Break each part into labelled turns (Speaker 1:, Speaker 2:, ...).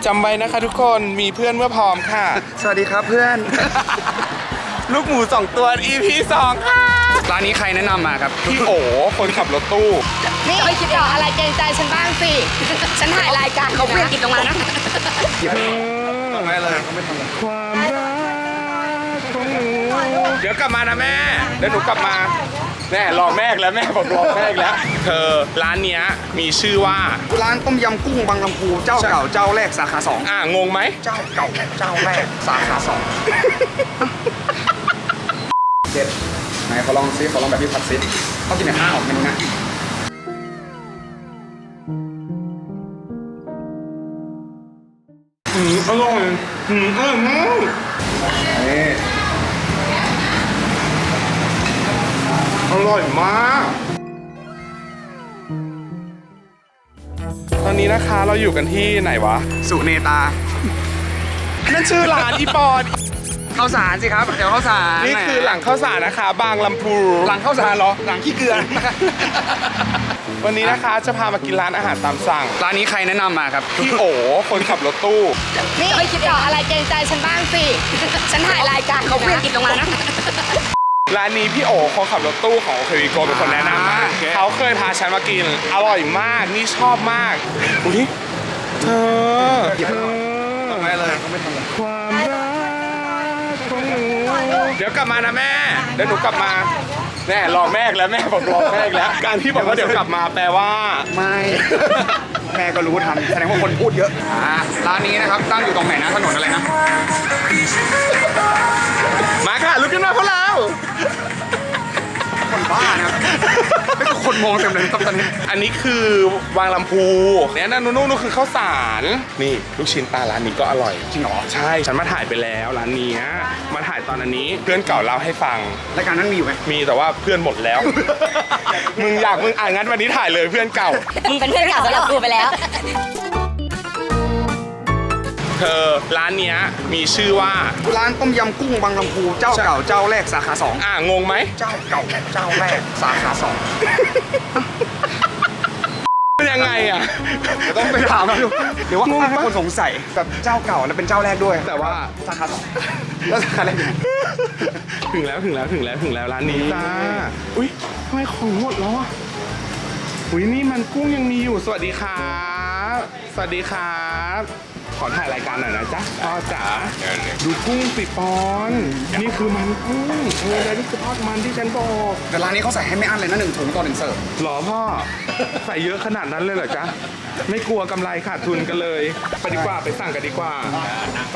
Speaker 1: จำไว้นะคะทุกคนมีเพื่อนเมื่อพร้อมค่ะ
Speaker 2: สวัสดีครับเพื่อน
Speaker 1: ลูกหมู2 ตัว EP 2ค่ะ
Speaker 2: ร้านนี้ใครแนะนำมาครับ
Speaker 1: พี่โอคนขับรถตู้
Speaker 3: นี่ไม่คิดหรออะไรเกรงใจฉันบ้างสิฉันถ่ายรายการเขาเพื่อนกินตรงนั้นนะ
Speaker 2: ไม่เลย
Speaker 1: ความรักของหนูเดี๋ยวกลับมานะแม่เดี๋ยวหนูกลับมาแม่รอแม่แล้วแม่บอกรอแม่แล้วเธอร้านเนี้ยมีชื่อว่า
Speaker 2: ร้านต้มยำกุ้งบางลำพูเจ้าเก่าเจ้าแรกสาขา2
Speaker 1: งงไหม
Speaker 2: เจ้าเก่าเจ้าแรกสาขา2เด็ดไหนขอลองซิขอลองแบบพี่ผัดซิเขากินแบบข้าวเมนูนะ
Speaker 1: อร่อยอร่อยมาก
Speaker 2: นี่
Speaker 1: อร่อยมากตอนนี้นะคะเราอยู่กันที่ไหนวะ
Speaker 2: สุเนตา
Speaker 1: นั่นชื่อร้านอีปอน
Speaker 2: ข้าวสารสิครับเดี๋ยวข้าวสาร
Speaker 1: นี่คือหลังข้าวสารนะคะบางลำพู
Speaker 2: หลังข้าวสารเหรอหลังขี้เกลือ
Speaker 1: วันนี้นะคะจะพามากินร้านอาหารตามสั่ง
Speaker 2: ร้านนี้ใครแนะนำมาครับ
Speaker 1: พี่โอคนขับรถตู้
Speaker 3: นี่ไม่คิดหรออะไรเกรงใจฉันบ้างสิฉันถ่ายรายการเขาเพื่อนกินตรงนั้นนะ
Speaker 1: ร้านนี้พี่โอคนขับรถตู้ของโอเควิโกเป็นคนแนะนำมาเขาเคยพาฉันมากินอร่อยมากนี่ชอบมากอุ้ยเธอ
Speaker 2: ไม่เลย
Speaker 1: ความรักของหนูเดี๋ยวกลับมานะแม่เดี๋ยวหนูกลับมาแม่รอแม่แล้วแม่บอกรอแม่แล้วการที่บอกว่าเดี๋ยวกลับมาแปลว่า
Speaker 2: ไม่แม่ก็รู้ทันแสดงว่าคนพูดเยอะร้านนี้นะครับตั้งอยู่ตรงไหนนะถนนอะไรนะ
Speaker 1: มาค่ะลุกขึ้นมาพวกเรา
Speaker 2: คนบ้านะครับไม่ก็คนมองเต็มเลยตอนนี้
Speaker 1: อันนี้คือวางลำพูเนี่ยนั่นนู่นคือข้าวสารนี่ลูกชิ้นปลาร้านนี้ก็อร่อย
Speaker 2: จริงเหรอ
Speaker 1: ใช่ฉันมาถ่ายไปแล้วร้านนี้มาถ่ายตอนนี้เพื่อนเก่าเล่าให้ฟัง
Speaker 2: รายการนั้นมีอยู่ไหม
Speaker 1: มีแต่ว่าเพื่อนหมดแล้วมึงงั้นวันนี้ถ่ายเลยเพื่อนเก่า
Speaker 3: มึงเป็นเพื่อนเก่าสำหรับกูไปแล้ว
Speaker 1: เธอร้านเนี้ยมีชื่อว่า
Speaker 2: ร้านต้มยำกุ้งบางลำพูเจ้าเก่าเจ้าแรกสาขา2
Speaker 1: งงไหม
Speaker 2: เจ้าเก่าเจ้าแรกสาขา2
Speaker 1: เป็นยังไง
Speaker 2: ต้องไปถามเขาดูเดี๋ยวว่าให้คนสงสัยแบบเจ้าเก่าแล้วเป็นเจ้าแรกด้วยแต่ว่าสาขา2แล้วสาขาแรก
Speaker 1: ถึงแล้วร้านนี้จ้าอุ้ยทำไมของหมดแล้วอุ้ยนี่มันกุ้งยังมีอยู่สวัสดีครับสวัสดีครับขอถ่ายรายการหน่อยนะจ๊ะพ่อจ๋าดูกุ้งสิปอนนี่คือมันกุ้งแล้วนี่คือทอดมันที่ฉันบอก
Speaker 2: แต่ร้านนี้เขาใส่ให้ไม่อั้นเลยนะ1 ถุงต่อ1 เสิร์ฟ
Speaker 1: หรอพ่อใส่เยอะขนาดนั้นเลยเหรอจ๊ะไม่กลัวกำไรขาดทุนกันเลยไปดีกว่าไปสั่งกันดีกว่าไป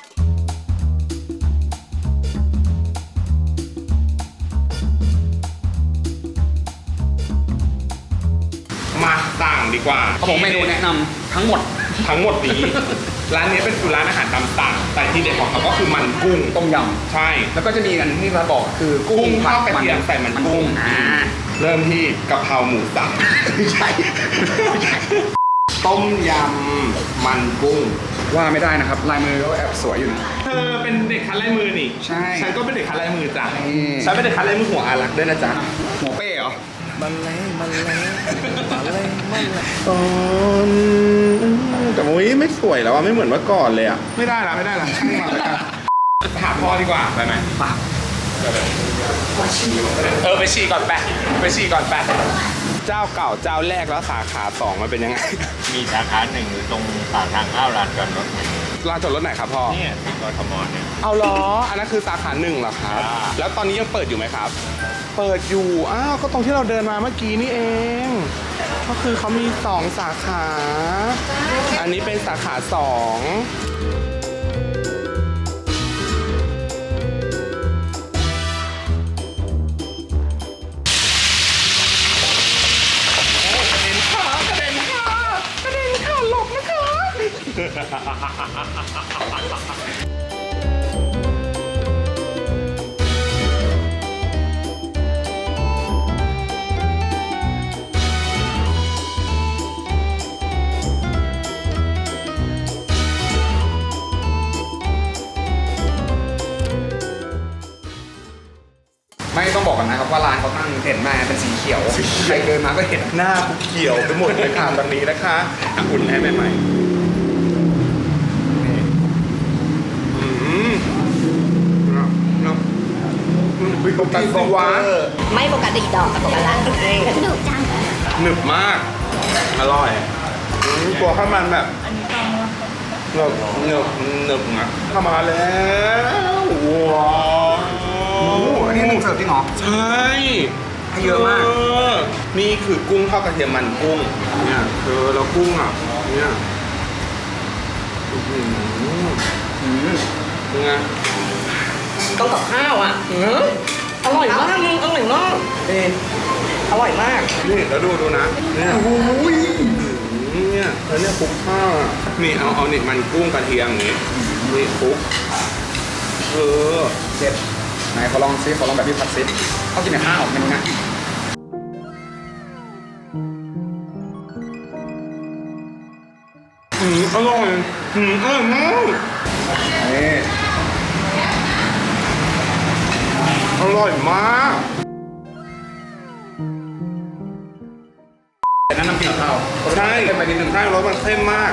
Speaker 1: มาสั่งดีกว่า
Speaker 2: เขาบอกเมนูแนะนำทั้งหมด
Speaker 1: นี้ร้านนี้เป็นร้านอาหารตามสั่งแต่ที่เด็ดของเขาก็คือมันกุ้ง
Speaker 2: ต้มยำ
Speaker 1: ใช่
Speaker 2: แล้วก็จะมีอันที่เราบอกคือกุ้ง
Speaker 1: ทอดกระเทียมใส่มันกุ้งเริ่มที่กะเพราหมูสับ
Speaker 2: ใช่
Speaker 1: ต้มยำมันกุ้ง
Speaker 2: ว่าไม่ได้นะครับลายมือเขาแอบสวยอยู่นะ
Speaker 1: เธอเป็นเด็กคัดลายมือนี่
Speaker 2: ใช่
Speaker 1: ฉันก็เป็นเด็กคัดลายมือจ้ะฉันเป็นเด็กคัดลายมือหัวอารักด้วยนะจ๊ะ
Speaker 2: หัวเป้เหรอมัน
Speaker 1: แต่มุ้ยไม่สวยแล้วไม่เหมือนเมื่อก่อนเลยไม่ได้ละช่างมาแล้วกันหาพ่อดีกว่าไปไหมไปฉี่ก่อนแปะเจ้าเก่าเจ้าแรกแล้วสาขา2มันเป็นยังไง
Speaker 4: มีสาขา1อยู่ตรงปากทางเข้าลานจอดรถ
Speaker 1: ลานจอดรถไหนครับพ่อ
Speaker 4: เนี่ยที่กทมเนี่ย
Speaker 1: เอาล้ออันนั้นคือสาขา1เหรอครับแล้วตอนนี้ยังเปิดอยู่ไหมครับเปิดอยู่ก็ตรงที่เราเดินมาเมื่อกี้นี่เองก็คือเขามี2สาขาอันนี้เป็นสาขา2กระเด็นค่ะหลบนะคะ
Speaker 2: ไม่ต้องบอกกันนะครับว่าร้านเขาตั้งเห็นมาเป็นสีเขียวใครเดินมาก็เห็น
Speaker 1: หน้าเขียวไปหมดเลยค่ะตอนนี้นะคะอุ่นให้ใหม่ปกติสิวะ
Speaker 3: ไม่ปกติดอกกับปกติละดุจัง
Speaker 1: หนึบมาก อร่อยตัวข้าวมันแบบหนึบนะเข้ามาแล้วว้าว
Speaker 2: โอ้โหอันนี้หนึ่งเสิร์ฟจริงเหรอ
Speaker 1: ใช่
Speaker 2: ให้เยอะมาก
Speaker 1: นี่คือกุ้งทอดกระเทียมมันกุ้งเนี่ยแล้วกุ้งอ่ะเนี่ยเป็นไง
Speaker 3: ต้องกับข้าวอ่ะอร่อยมากมึงอร่อยมากอร่อยมาก
Speaker 1: นี่แล้วดูนะเนี่ยเนี่ยแล้วเนี่ยคลุกข้าวอ่ะนี่เอานี่มันกุ้งกระเทียมอย่างงี้นี่คลุก
Speaker 2: เจ็ดไหนขอลองซิขอลองแบบพี่ผัดซิเขากินแต่ข้าวเมนูนะ
Speaker 1: อร่อยอร่อยมาก
Speaker 2: นี่
Speaker 1: อร่อยมาก
Speaker 2: แต่นั้นน้ำพริกข้าว
Speaker 1: ใช่
Speaker 2: เป็นไปนิดนึง
Speaker 1: ใช่แล้วมันเข้มมาก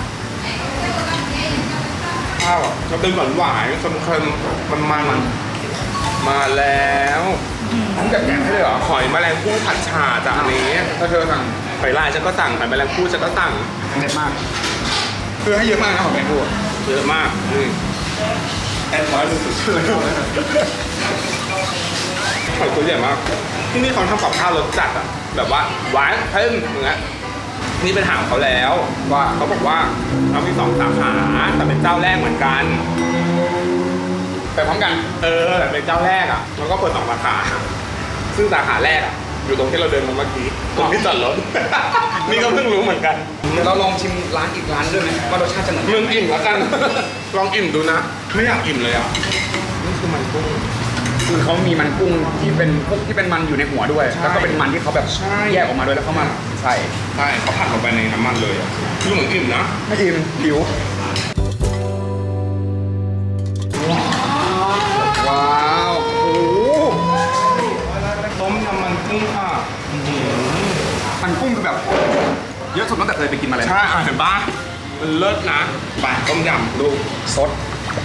Speaker 1: ข้าวอ่ะจะเป็นหวานหวานๆเค็มๆมันมาแล้ว
Speaker 2: ทั้งแบบแกงให้เลยเหรอ
Speaker 1: หอยแมลงภู่ผัดฉ่าจากอันนี้
Speaker 2: ถ้าเธอสั่ง
Speaker 1: หอยลายฉันก็สั่งหอยแมลงภู่ฉันก็สั่ง
Speaker 2: เด็ดมากคือให้เยอะมากนะของแมงกู
Speaker 1: เยอะมากนี่แอนน้อยสุดๆหอยตัวใหญ่มากที่นี่เขาทำกับข้าวรสจัดอ่ะแบบว่าหวานเค็มอย่างเงี้ยนี่เป็นถามเขาแล้ว
Speaker 2: ว่า
Speaker 1: เขาบอกว่าเรามี2 สาขาแต่เป็นเจ้าแรกเหมือนกัน
Speaker 2: ไปพร้อมกัน
Speaker 1: แต่เป็นเจ้าแรกอ่ะแล้วก็เปิด2 สาขาซึ่งสาขาแรกอ่ะอยู่ตรงที่เราเดินมาเมื่อกี้ตรงที่จอดรถ นี่ก็เพิ่งรู้เหมือนกัน
Speaker 2: เดี๋ยวเราลองชิมร้านอีกร้านด้วยไหมว่ารสชาติจะเหมือน
Speaker 1: มึงอิ่มแล้วกัน ลองอิ่มดูนะ ไม่อยากอิ่มเลยอ่ะนี่คือมันกุ้ง
Speaker 2: คือเขามีมันกุ้งที่เป็นพวกที่เป็นมันอยู่ในหัวด้วย
Speaker 1: ใช่
Speaker 2: แล้วก็เป็นมันที่เขาแบบ
Speaker 1: ใช่
Speaker 2: แยกออกมาด้วยแล้วเขามาใส่
Speaker 1: ใช่เขาผัดลงไปในน้ำมันเลยอ่ะคือเหมือนอิ่มนะ
Speaker 2: ไม่อิ่มหิวว้าวโอ้โห
Speaker 1: ต้มยำมันกุ้งค่ะ
Speaker 2: มันกุ้งคือแบบเยอะสุดตั้งแต่เคยไปกินมาเลย
Speaker 1: ใช่เห็นปะมันเลิศนะไปต้มยำดู
Speaker 2: สด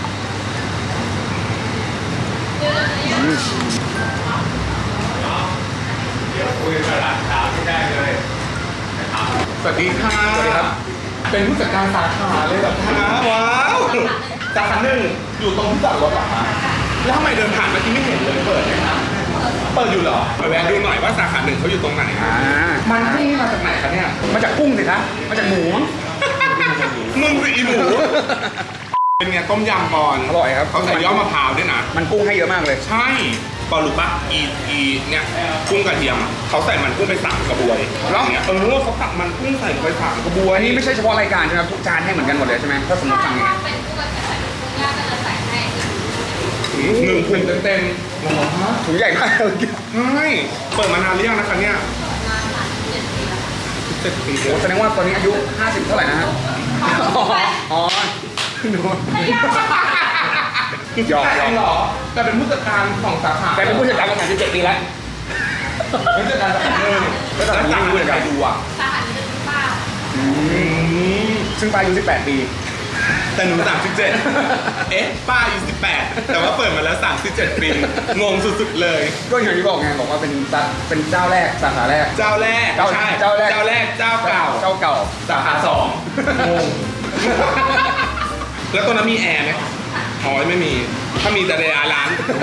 Speaker 1: สวัสดีค่ะ
Speaker 2: สวัสดีครับ
Speaker 1: เป็นผู้จัดการสาขาเลยเหรอคะว้าวสาขาหนึ่งอยู่ตรงที่จอดรถเหรอคะแล้วทำไมเดินผ่านเมื่อกี้ไม่เห็นเลยเปิดไหมคะเปิดอยู่เหรอไปแวะดูหน่อยว่าสาขาหนึ่งเขาอยู่ตรงไหน มันกุ้งนี่มาจากไหนคะเนี่ย
Speaker 2: มาจากกุ้งสิคะมาจากหมูมั้ง
Speaker 1: มึงสิอีหมู เป็นไงต้มยำก่อน
Speaker 2: อร่อยครับ
Speaker 1: เขาใส่ยอดมะพร้าวด้วยนะ
Speaker 2: มันกุ้งให้เยอะมากเลย
Speaker 1: ใช่ปอรู้ปะเนี่ยกุ้งกระเทียมอะเขาใส่มันกุ้งไป3 กระบวยแล้วเนี่ยเขาตักมันกุ้งใส่ไป3 กระบวย
Speaker 2: อันนี้ไม่ใช่เฉพาะรายการใช่ไหมครับทุกจานให้เหมือนกันหมดเลยใช่ไหมถ้าสมมติสั่งอย่างเงี้ย
Speaker 1: 1 ถุงเต็มๆว้าว
Speaker 2: ถุงใหญ่มากเลย
Speaker 1: ใช่เปิดมานานหรือยังนะคะเนี่ย7 ปี
Speaker 2: โอ้แสดงว่าตอนนี้อายุ50เท่าไหร่นะฮะอ๋อหนู หยอก
Speaker 1: เหรอแต่เป็นผู้จัดการของสาขา
Speaker 2: แต่เป็นผู้จัดการมา37 ปีแล้ว
Speaker 1: ผู้จัดการสาขาเลย
Speaker 2: แล้วสาขานี้เป็นผู้จัดการ
Speaker 1: ดูอ่ะ
Speaker 2: ซึ่งปลายอายุ18 ปี
Speaker 1: แต่หนู37เอ๊ะป้าอายุ18แต่ว่าเปิดมาแล้ว37 ปีงงสุดๆเลย
Speaker 2: ก็อย่างที่บอกไงบอกว่าเป็นเจ้าแรกสาขาแรก
Speaker 1: เจ้าแรก
Speaker 2: เจ้า
Speaker 1: ใช่
Speaker 2: เจ้าแรก
Speaker 1: เจ้าแรกเจ้าเก่า
Speaker 2: เจ้าเก่า
Speaker 1: สาขา2งงแล้วตรงนั้นมีแอร์ไหมอ๋อไม่มีถ้ามีแต่ในร้าน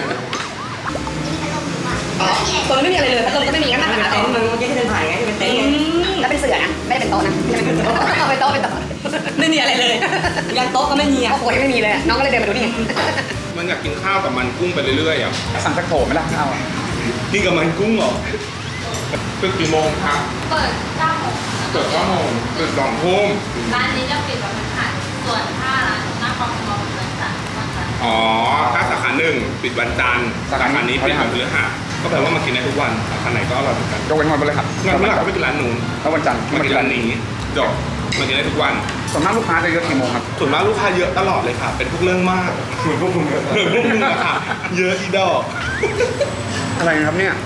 Speaker 3: ตรงนี้ไม่มีอะไรเลยพัดลมก็ไม่มีงั้นนั่งหาเต็นท์มึงเมื่อกี้ที่เดินผ่านไงที่เป็นเต็นท์แล้วเป็นเสื่อนะไม่ได้เป็นโต๊ะนะเป็นโต๊ะเป็นโต๊ะไม่มีอะไรเลยยันโต๊ะก็ไม่มีอ่ะโอ้โหไม่มีเลยน้องก็เลยเดินมาดูนี่
Speaker 1: มันอยากกินข้าวกับมันกุ้งไปเรื่อยๆอ่ะ
Speaker 2: สั่งสักโถไหมล่ะข้าวอะ
Speaker 1: กินกับมันกุ้งเหรอเปิดกี่โมงครับ
Speaker 5: เปิด9 โมง
Speaker 1: เปิด9 โมงเปิด2 ทุ่ม
Speaker 5: ร้านนี้จะปิดวันพฤหัสส่วนถ้าร้านหน้าคอมมอลเป็นวันจันทร์วันจันทร์
Speaker 1: อ๋อถ้าสาขา1ปิดวันจันทร์สาขานี้ปิดวันพฤหัสก็แปลว่ามากินได้ทุกวันสาขาไหนก็อร่อยเหมือนกัน
Speaker 2: ยกเว้นวันพฤหัส
Speaker 1: งั้นเมื่อไหร่ก็ไปกินร้านนู้น
Speaker 2: แล้ววันจันทร์
Speaker 1: มากินร้านนี้จบมากินได้ทุกวัน
Speaker 2: ส่วนมากลูกค้าจะเยอะกี่โมงครับ
Speaker 1: ส่วนมากลูกค้าเยอะตลอดเลยค่ะ เป็นพวกเรื่องมากเหมือนพวกมึงอะค่ะ เยอะอีดอก
Speaker 2: อะไรนะครับเนี่ย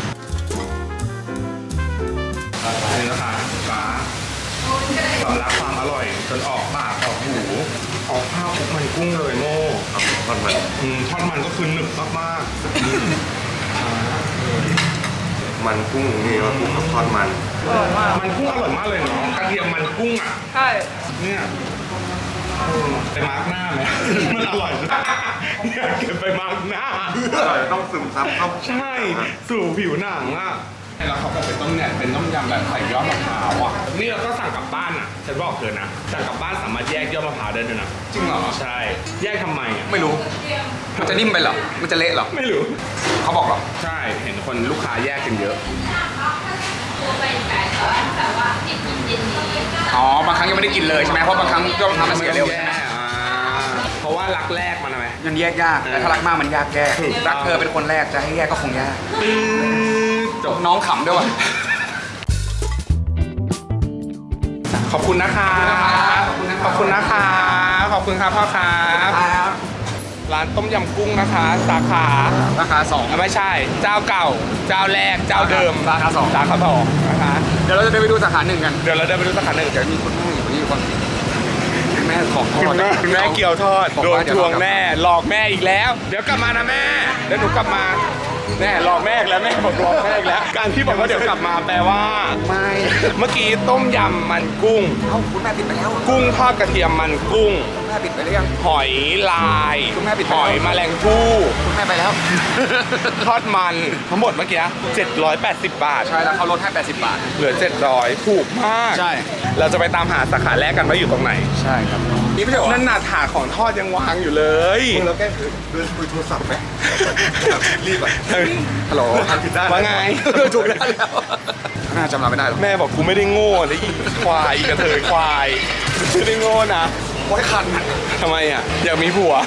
Speaker 1: นี่นะคะฟ้าสำลักความอร่อยจนออกปากออกหูเอาข้าวคลุกมันกุ้งเลยโม่ทอดมันทอดมันก็คือหนึบมากๆ
Speaker 2: มันกุ้งนี่ว่ากุ้งกับทอดมัน
Speaker 1: มันกุ้งอร่อยมากเลยเนาะกระเทียมมันกุ้งอ่ะ
Speaker 3: ใช่
Speaker 1: เนี่ยไปมาร์กหน้าไหม มันอร่อยอยากเก็บไปมาร์กหน้า
Speaker 2: อร่อยต้องซึมซับเข้า
Speaker 1: ใช่สู่ผิวหนังอ่ะแล้วเขาก็เป็นต้มเนี่ยเป็นต้มยำแบบใส่ยอดมะพร้าวอ่ะนี่เราก็สั่งกลับบ้านอ่ะฉันบอกเธอนะสั่งกลับบ้านสามารถแยกยอดมะพร้าวได้ด้วยนะ
Speaker 2: จริงเหรอ
Speaker 1: ใช่แยกทำไมอ่ะ
Speaker 2: ไม่รู้ มันจะนิ่มไปเหรอ มันจะเละเหรอ
Speaker 1: ไม่รู้
Speaker 2: เขาบอกเหรอ
Speaker 1: ใช่เห็นคนลูกค้าแยกกันเยอะ
Speaker 5: ตัวเป็นไก่แต่ว่าแบบว่าติดเย็นนี้
Speaker 2: อ๋อบางครั้งยังไม่ได้กินเลยใช่ไหมเพราะบางครั้งยอดมะพร้าวมันเสียเร็ว
Speaker 1: แย่เพราะว่ารักแรกมันอะไร
Speaker 2: ยังแยกยากแต่ถ้ารักมากมันยากแก้รักเธอเป็นคนแรกจะให้แยกก็คงยาก
Speaker 1: จบ
Speaker 2: น้องขำด้วยว่ะ
Speaker 1: ขอบคุณนะคะขอบคุณนะคะขอบคุณครับพ่อครับร้านต้มยำกุ้งนะคะ สาขา
Speaker 2: ราคา2
Speaker 1: ไม่ใช่ เจ้าเก่า เจ้าแรก เจ้าเดิม
Speaker 2: สาขา2
Speaker 1: สาขาสองนะคะ
Speaker 2: เดี๋ยวเราจะเดินไปดูสาขา1กัน
Speaker 1: เดี๋ยวเราเดินไปดูสาขาหนึ่ง
Speaker 2: เดี๋ยวมีคุณแม่อยู่คนนี้คนคุณแม่ของทอด
Speaker 1: คุณแม่เกี่ยวทอด
Speaker 2: บอก
Speaker 1: โดน
Speaker 2: ว่าเดี๋
Speaker 1: ท
Speaker 2: ยว
Speaker 1: วงแน่หลอกแม่อีกแล้ว เดี๋ยวกลับมานะแม่เดี๋ยวหนูกลับมาแน่หลอกแม่อีกแล้วแม่บอกหลอกแม่อีกแล้ว การที่บอกว่าเดี๋ยวกลับมาแปลว่า
Speaker 2: ไม่
Speaker 1: เมื่อกี้ต้มยำมันกุ้ง
Speaker 2: เอ้าคุณแม่ปิดไปแล้ว
Speaker 1: กุ้งทอดกระเทียมมันกุ้ง
Speaker 2: คุณแม่ปิดไปหรือยัง
Speaker 1: หอยลาย
Speaker 2: คุณแม่ปิดไป
Speaker 1: ห
Speaker 2: แล้ว
Speaker 1: อยแมลงภู่
Speaker 2: คุณแม่ไปแล้ว
Speaker 1: ทอดมันทั้งหมดเมื่อกี้780 บาท
Speaker 2: ใช่แล้วเขาลดให้80 บาท
Speaker 1: เหลือ 700 ถูกมาก
Speaker 2: ใช่
Speaker 1: เราจะไปตามหาสาขาแรกกันว่าอยู่ตรงไหน
Speaker 2: ใช่ครับนี่ไม่ใช่เหรอ
Speaker 1: นั่นน่ะถาดของทอดยังวางอยู่เลย
Speaker 2: เราแก้คือเดินคุยโทรศัพท์ไหมรีบอ่ะฮัลโหลผิดได้
Speaker 1: ว่าไง
Speaker 2: ถูกได้แล้วน่าจำเราไม่ได้หรอก
Speaker 1: แม่บอกกูไม่ได้โง่นะอีควายอีกระเทยควายไม่ได้โง่นะ
Speaker 2: โอ้ยคัน
Speaker 1: ทำไมอ่ะ อยากมีผัว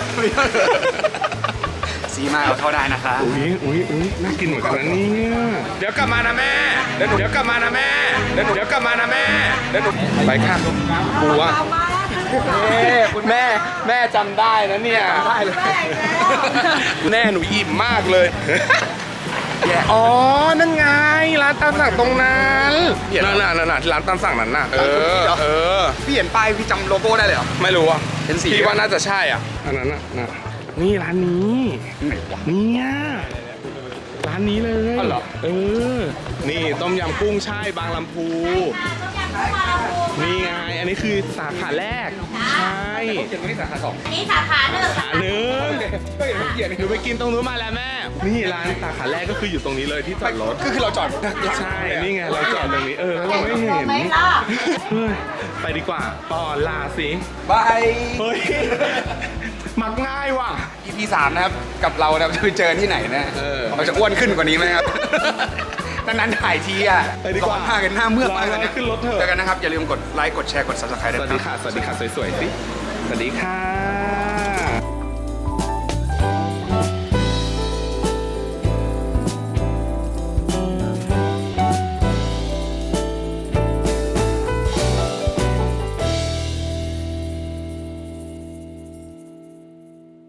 Speaker 2: สีมาเอาเท่าได้นะคะ
Speaker 1: อุ้ยน่ากินเหมือนกันนะเนี่ยเดี๋ยวกลับมานะแม่เดี๋ยวกลับมานะแม่เดี๋ยวกลับมานะแม่เดี๋ยวหนูไปค่ะกูว่าคุณแม่จำได้นะเนี่ย
Speaker 2: ได้เลย
Speaker 1: แม่หนูอิ่มมากเลย อ๋อ นั่นไง ร้านตามสั่งตรงนั้นนั่นน่ะร้านตามสั่งนั้นน่ะ เออ
Speaker 2: พี่เห็นป้ายพี่จำโลโก้ได้เลยเหรอ
Speaker 1: ไม่รู้อ่ะ
Speaker 2: เห็นสี
Speaker 1: พี่ว่าน่าจะใช่อ่ะ อันนั้นน่ะนี่ร้านนี้
Speaker 2: ไหนวะ
Speaker 1: เนี่ยร้านนี้เลย
Speaker 2: อ๋อเหรอ
Speaker 1: นี่ต้มยำกุ้งใช่บางลำพู
Speaker 5: ต้มยำกุ้งปลาละพู
Speaker 1: นี่ไง อันนี้คือสาขาแรก ใช่
Speaker 2: เขียนไว้ที่สาขา2
Speaker 5: อันนี้สาขาหนึ่ง
Speaker 1: สาขาหนึ่ง
Speaker 2: ก็เห็นเขาเขียน
Speaker 1: หนูไปกินตรงนู้นมาแล้วแม่ นี่ร้านสาขาแรกก็คืออยู่ตรงนี้เลยที่จอดรถ
Speaker 2: คือเราจอด
Speaker 1: ใช่ นี่ไงเราจอดตรงนี้ แล้วเราไม่เห็น
Speaker 5: ไม่ล่ะ
Speaker 1: เฮ้ยไปดีกว่าต่อลาสิ
Speaker 2: บาย
Speaker 1: เฮ้ย มักง่ายว่ะ
Speaker 2: EP 3นะครับ กับเราจะไปเจอที่ไหนนะ เราจะอ้วนขึ้นกว่านี้ไหมครับ นั้นถ่ายทีอ่ะ
Speaker 1: ไปดีกว่า
Speaker 2: ร้อนมากกันหน้าเมื่อกมาก
Speaker 1: ร้อนขึ้นรถเถอะ
Speaker 2: เจอกันนะครับ อย่าลืมกดไลค์ กดแชร์ กด subscribe
Speaker 1: ส
Speaker 2: ด้วย
Speaker 1: วัส
Speaker 2: นะ
Speaker 1: ดีค่ะ สวัสดีค่ะ สวยๆสิ สวัสดีค่ะ